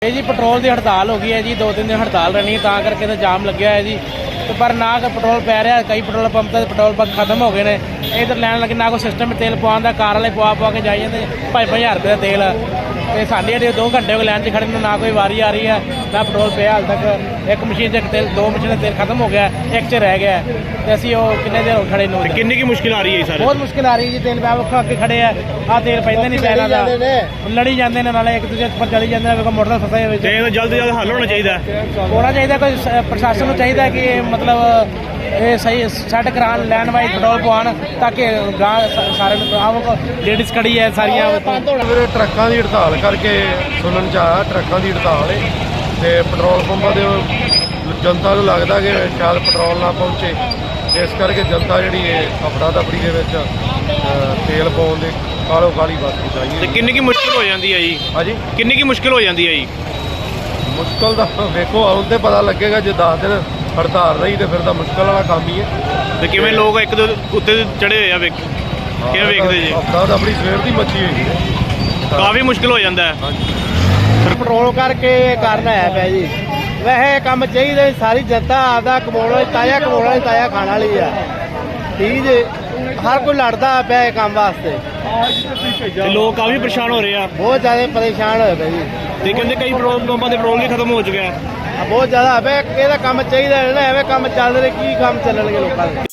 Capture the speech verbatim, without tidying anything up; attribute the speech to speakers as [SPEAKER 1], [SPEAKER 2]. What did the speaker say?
[SPEAKER 1] ਇਹ ਜੀ ਪੈਟਰੋਲ ਦੀ ਹੜਤਾਲ ਹੋ ਗਈ ਹੈ ਜੀ। ਦੋ ਤਿੰਨ ਦਿਨ ਹੜਤਾਲ ਰਹਿਣੀ ਤਾਂ ਕਰਕੇ ਤਾਂ ਜਾਮ ਲੱਗਿਆ ਹੈ ਜੀ। ਤੇ ਪਰ ਨਾ ਕੋਈ ਪੈਟਰੋਲ ਪੈ ਰਿਹਾ, ਕਈ ਪੈਟਰੋਲ ਪੰਪ ਤੇ ਪੈਟਰੋਲ ਪੰਪ ਖਤਮ ਹੋ ਗਏ ਨੇ। ਇਧਰ ਲੈਣ ਲੱਗੇ ਨਾ ਕੋਈ ਸਿਸਟਮ ਤੇਲ ਪਵਾਉਣ ਦਾ, ਕਾਰ ਵਾਲੇ ਪਵਾ ਪਵਾ ਕੇ ਜਾਈ ਜਾਂਦੇ ਪੰਜ ਪੰਜ ਹਜ਼ਾਰ ਰੁਪਏ ਦਾ ਤੇਲ। ਤੇ ਸਾਡੀ ਜਿਹੜੇ ਦੋ ਘੰਟੇ ਹੋ ਗਏ ਲਾਈਨ 'ਚ ਖੜ੍ਹੇ ਨੂੰ, ਨਾ ਕੋਈ ਵਾਰੀ ਆ ਰਹੀ ਹੈ ਨਾ ਪੈਟਰੋਲ ਪਿਆ ਹਾਲ ਤੱਕ। ਇੱਕ ਮਸ਼ੀਨ 'ਚ ਤੇਲ, ਦੋ ਮਸ਼ੀਨਾਂ ਤੇਲ ਖਤਮ ਹੋ ਗਿਆ, ਇੱਕ 'ਚ ਰਹਿ ਗਿਆ। ਤੇ ਅਸੀਂ ਉਹ ਕਿੰਨੇ ਦੇਰ ਹੋ ਖੜੇ ਨੂੰ।
[SPEAKER 2] ਕਿੰਨੀ ਕੀ ਮੁਸ਼ਕਿਲ ਆ ਰਹੀ ਹੈ ਸਰ?
[SPEAKER 1] ਬਹੁਤ ਮੁਸ਼ਕਿਲ ਆ ਰਹੀ ਹੈ ਜੀ। ਤੇਲ ਪਿਆ ਵੱਖੋ ਅੱਗੇ ਖੜੇ ਆ, ਆਹ ਤੇਲ ਪੈਂਦੇ ਨਹੀਂ ਪੈਣਾ ਦਾ, ਲੜੀ ਜਾਂਦੇ ਨੇ ਨਾਲੇ ਇੱਕ ਦੂਜੇ ਉੱਪਰ ਚਲੀ ਜਾਂਦੇ ਨੇ। ਵੇਖੋ ਮੋਟਰਸਾਈਕਲ ਫਸੇ ਹੋਏ।
[SPEAKER 2] ਤੇ ਇਹਦਾ ਜਲਦ ਜਲਦ ਹੱਲ ਹੋਣਾ ਚਾਹੀਦਾ
[SPEAKER 1] ਹੋਣਾ ਚਾਹੀਦਾ। ਕੋਈ ਸ- ਪ੍ਰਸ਼ਾਸਨ ਨੂੰ ਚਾਹੀਦਾ ਕਿ ਇਹ ਮਤਲਬ ਇਹ ਸਹੀ ਸੈੱਟ ਕਰਾਉਣ, ਲੈਣ ਵਾਈਜ਼ ਪੈਟਰੋਲ ਪਵਾਉਣ ਤਾਂ ਕਿ ਗਾਂ ਸਾਰੇ ਆਮ ਲੇਡੀਜ਼ ਖੜੀ ਹੈ ਸਾਰੀਆਂ।
[SPEAKER 3] ਵੀਰੇ ਟਰੱਕਾਂ ਦੀ ਹੜਤਾਲ ਕਰਕੇ ਸੁਣਨ ਚ ਆਇਆ, ਟਰੱਕਾਂ ਦੀ ਹੜਤਾਲ ਹੈ ਤੇ ਪੈਟਰੋਲ ਪੰਪਾਂ ਦੇ ਜਨਤਾ ਨੂੰ ਲੱਗਦਾ ਕਿ ਸ਼ਾਇਦ ਪੈਟਰੋਲ ਨਾ ਪਹੁੰਚੇ, ਇਸ ਕਰਕੇ ਜਨਤਾ ਜਿਹੜੀ ਹੈ ਅਫੜਾ ਦਫੜੀ ਦੇ ਵਿੱਚ ਅ, ਤੇਲ ਪਾਉਣ ਦੇ ਕਾਲੋ ਕਾਲੀ ਬੱਸ
[SPEAKER 2] ਤੇ
[SPEAKER 3] ਚਾਹੀਏ।
[SPEAKER 2] ਕਿੰਨੀ ਕੀ ਮੁਸ਼ਕਿਲ ਹੋ ਜਾਂਦੀ ਹੈ ਜੀ?
[SPEAKER 3] ਹਾਂਜੀ,
[SPEAKER 2] ਕਿੰਨੀ ਕੀ ਮੁਸ਼ਕਿਲ ਹੋ ਜਾਂਦੀ ਹੈ ਜੀ?
[SPEAKER 3] ਮੁਸ਼ਕਲ ਦਾ ਵੇਖੋ ਹੁਣ ਤੇ ਪਤਾ ਲੱਗੇਗਾ। ਜੇ ਦਸ ਦਿਨ ਹੜਤਾਲ ਰਹੀ ਤੇ ਫਿਰ ਤਾਂ ਮੁਸ਼ਕਲ ਵਾਲਾ ਕੰਮ ਹੀ ਹੈ।
[SPEAKER 2] ਤੇ ਕਿਵੇਂ ਲੋਕ ਇੱਕ ਦੋ ਉੱਤੇ ਚੜੇ ਹੋਏ ਆ, ਵੇਖ ਕਿਵੇਂ ਵੇਖਦੇ ਜੀ?
[SPEAKER 3] ਅਫੜਾ ਦਫੜੀ ਸਵੇਰ ਦੀ ਮੱਚੀ ਹੋਈ ਹੈ।
[SPEAKER 2] ਕਾਫੀ ਮੁਸ਼ਕਿਲ ਹੋ ਜਾਂਦਾ ਹੈ।
[SPEAKER 3] ਹਾਂਜੀ,
[SPEAKER 1] ਪੈਟਰੋਲ ਕਰਕੇ ਕਾਰਨ ਆਇਆ ਪਿਆ ਜੀ। ਵੈਸੇ ਕੰਮ ਚਾਹੀਦਾ, ਸਾਰੀ ਜਨਤਾ ਆਪਦਾ ਕਮਾਉਣ ਵਾਲੀ, ਤਾਜ਼ਾ ਕਮਾਉਣ ਵਾਲੀ, ਤਾਜ਼ਾ ਖਾਣ ਵਾਲੀ ਆ। ਠੀਕ ਜੀ, ਹਰ ਕੋਈ ਲੜਦਾ ਪਿਆ ਇਹ ਕੰਮ ਵਾਸਤੇ।
[SPEAKER 2] ਤੇ ਲੋਕ ਕਾਫੀ ਪਰੇਸ਼ਾਨ ਹੋ ਰਹੇ ਆ।
[SPEAKER 1] ਬਹੁਤ ਜ਼ਿਆਦਾ ਪਰੇਸ਼ਾਨ ਹੋਏ ਪਏ ਜੀ।
[SPEAKER 2] ਤੇ ਕਹਿੰਦੇ ਕਈ ਪੈਟਰੋਲ ਪੰਪਾਂ ਦੇ ਪੈਟਰੋਲ ਵੀ ਖਤਮ ਹੋ ਚੁੱਕਿਆ ਹੈ।
[SPEAKER 1] ਬਹੁਤ ਜ਼ਿਆਦਾ ਹੈ। ਇਹਦਾ ਕੰਮ ਚਾਹੀਦਾ ਨਾ, ਐਵੇਂ ਕੰਮ ਚੱਲ ਰਹੇ, ਕੀ ਕੰਮ ਚੱਲਣਗੇ ਲੋਕਾਂ ਦੇ।